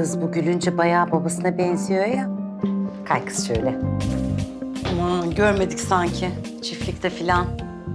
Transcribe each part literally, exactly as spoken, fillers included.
kız bu gülünce bayağı babasına benziyor ya. Kay kız şöyle. Aman görmedik sanki çiftlikte filan.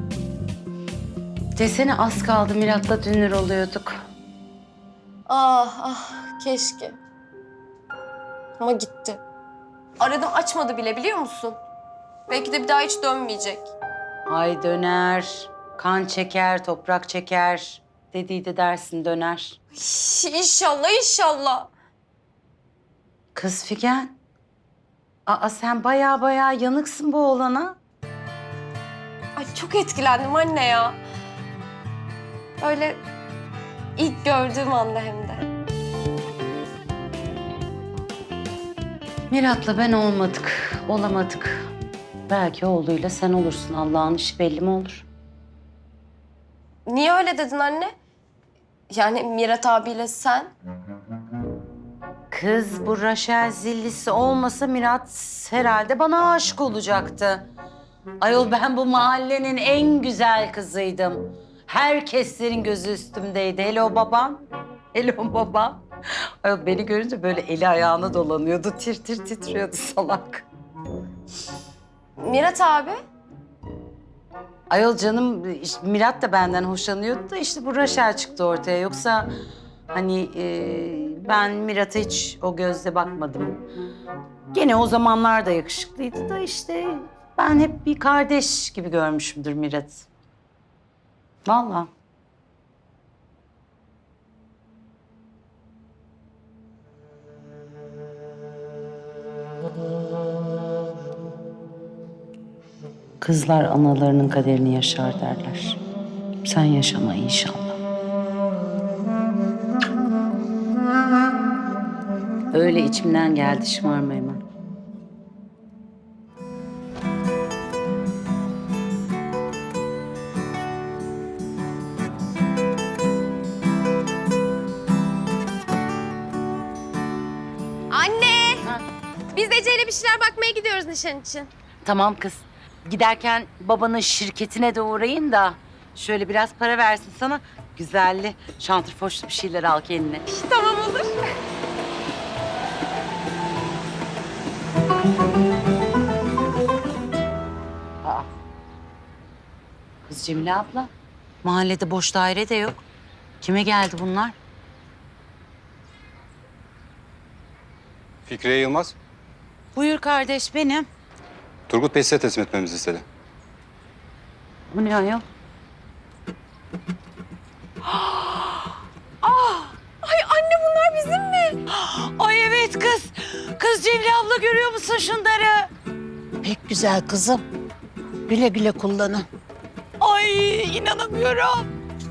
Desene az kaldı Mirat'la dünür oluyorduk. Ah ah keşke. Ama gitti. Aradım açmadı bile biliyor musun? Belki de bir daha hiç dönmeyecek. Ay döner, kan çeker, toprak çeker. Dediydi dersin döner. Şş, İnşallah inşallah. Kız Figen. Aa sen bayağı bayağı yanıksın bu oğlana. Ay çok etkilendim anne ya. Öyle ilk gördüğüm anda hem de. Mirat'la ben olmadık, olamadık. Belki oğluyla sen olursun. Allah'ın işi belli mi olur? Niye öyle dedin anne? Yani Mirat abiyle sen. Kız bu Raşel zillisi olmasa Mirat herhalde bana aşık olacaktı. Ayol ben bu mahallenin en güzel kızıydım. Herkeslerin gözü üstümdeydi. Hele o babam, hele o babam. Ayol beni görünce böyle eli ayağına dolanıyordu. Tir tir titriyordu salak. Mirat abi. Ayol canım işte Mirat da benden hoşlanıyordu da işte bu Raşel çıktı ortaya. Yoksa hani e, ben Mirat'a hiç o gözle bakmadım. Gene o zamanlar da yakışıklıydı da işte ben hep bir kardeş gibi görmüşümdür Mirat. Vallahi. Kızlar analarının kaderini yaşar derler. Sen yaşama inşallah. Öyle içimden geldi şımarma hemen. Anne! Biz Ece'yle bir şeyler bakmaya gidiyoruz nişan için. Tamam kız. Giderken babanın şirketine de uğrayın da şöyle biraz para versin sana. Güzelli, şantrfoşlu bir şeyler al kendine. Tamam olur. Aa. Kız Cemile abla, mahallede boş daire de yok. Kime geldi bunlar? Fikriye Yılmaz, Buyur kardeş benim. Turgut Bey size teslim etmemizi istedi. Bu ne ayol? Ay anne bunlar bizim mi? Ay evet kız. Kız Cemile abla görüyor musun şunları? Pek güzel kızım. Güle güle kullanın. Ay inanamıyorum.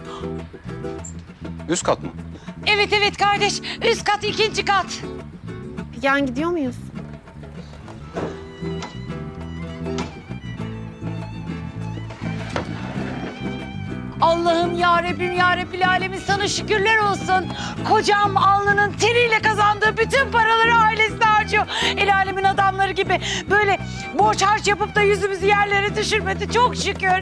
Üst kat mı? Evet evet kardeş. Üst kat ikinci kat. Yan gidiyor muyuz? Allah'ım ya Rabbim ya Rabbil Alemin sana şükürler olsun. Kocam alnının teriyle kazandığı bütün paraları ailesine harcıyor. El alemin adamları gibi böyle borç harç yapıp da yüzümüzü yerlere düşürmedi. Çok şükür.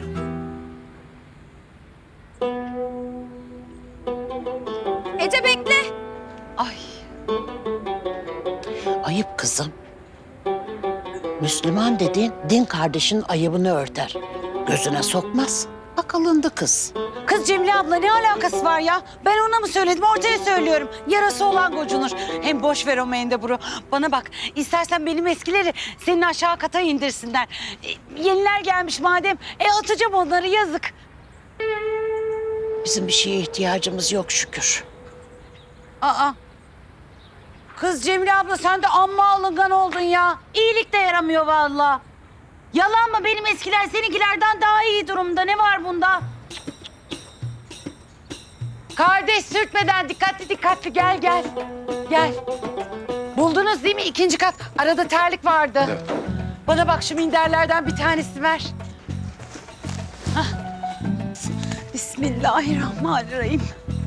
Ece bekle. Ay Ayıp kızım. Müslüman dediğin din kardeşinin ayıbını örter. Gözüne sokmaz. Akıllındı kız. kız Cemile abla ne alakası var ya? Ben ona mı söyledim ortaya söylüyorum. Yarası olan gocunur. Hem boş ver o mendeburu. Bana bak istersen benim eskileri senin aşağı kata indirsinler. E, yeniler gelmiş madem. E atacağım onları yazık. Bizim bir şeye ihtiyacımız yok şükür. Aa. Kız Cemile abla sen de amma alıngan oldun ya. İyilik de yaramıyor vallahi. Yalan mı benim eskiler seninkilerden daha iyi durumda. Ne var bunda? Kardeş sürtmeden dikkatli dikkatli gel gel. Gel. Buldunuz değil mi ikinci kat? Arada terlik vardı. Evet. Bana bak şu minderlerden bir tanesi ver. Hah. Bismillahirrahmanirrahim.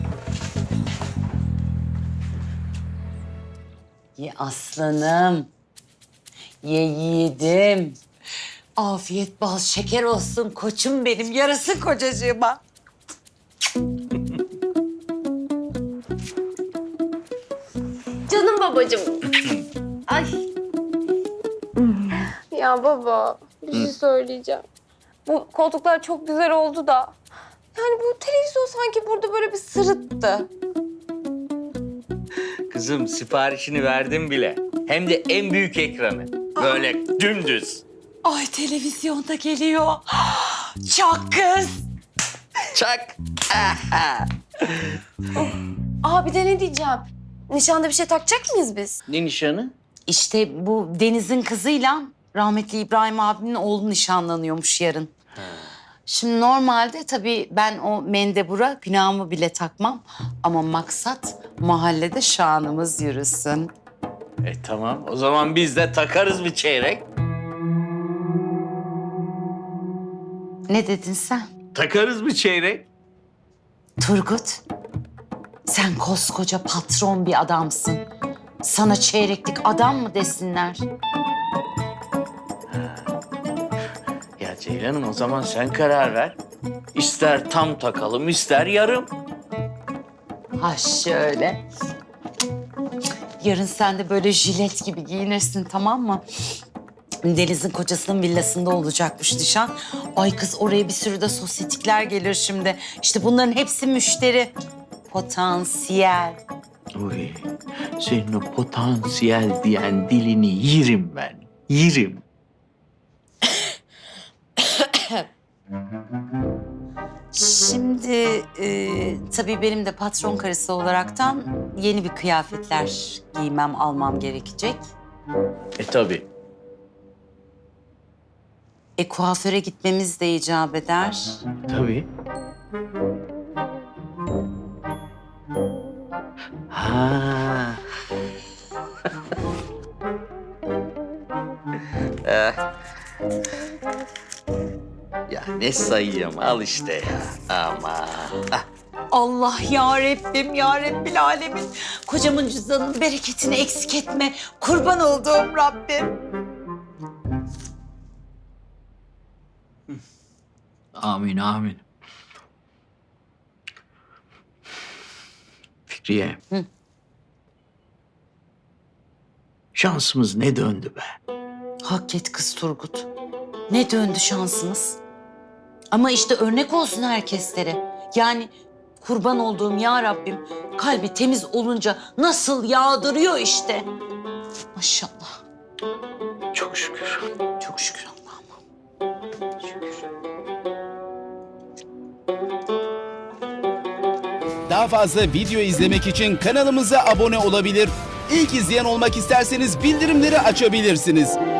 Ye aslanım. Ye yiğidim. Afiyet bal şeker olsun koçum benim. Yarasın kocacığıma. Canım babacığım. Ay. Ya baba, bir şey söyleyeceğim. Bu koltuklar çok güzel oldu da. Yani bu televizyon sanki burada böyle bir sırıttı. Kızım siparişini verdim bile. Hem de en büyük ekranı. Böyle dümdüz. Ay televizyonda geliyor. Çok kız. Çak. Aa bir de ne diyeceğim? Nişanda bir şey takacak mıyız biz? Ne nişanı? İşte bu Deniz'in kızıyla rahmetli İbrahim abinin oğlu nişanlanıyormuş yarın. Şimdi normalde tabii ben o mendebura günahımı bile takmam. Ama maksat mahallede şanımız yürüsün. E tamam. O zaman biz de takarız bir çeyrek. Ne dedin sen? Takarız bir çeyrek. Turgut, sen koskoca patron bir adamsın. Sana çeyreklik adam mı desinler? Ya Ceylan'ım o zaman sen karar ver. İster tam takalım, ister yarım. Ha şöyle. Yarın sen de böyle jilet gibi giyinirsin, tamam mı? Deniz'in kocasının villasında olacakmış nişan. Ay kız, oraya bir sürü de sosyetikler gelir şimdi. İşte bunların hepsi müşteri. Potansiyel. Uy, senin o potansiyel diyen dilini yerim ben. Yerim. Şimdi e, tabii benim de patron karısı olaraktan yeni bir kıyafetler giymem, almam gerekecek. E tabii. E kuaföre gitmemiz de icap eder. Tabii. Ha. Eh. Ya ne sayıyorum, al işte ya. Aman. Ah. Allah ya Rabbim, ya Rabbil Alemin. Kocamın cüzdanının bereketini eksik etme. Kurban olduğum Rabbim. Amin, amin. Fikriye. Hı. Şansımız ne döndü be? Hak et kız Turgut. Ne döndü şansımız. Ama işte örnek olsun herkeslere. Yani kurban olduğum ya Rabbim, kalbi temiz olunca nasıl yağdırıyor işte. Maşallah. Çok şükür. Çok şükür Allah'ıma. Daha fazla video izlemek için kanalımıza abone olabilir. İlk izleyen olmak isterseniz bildirimleri açabilirsiniz.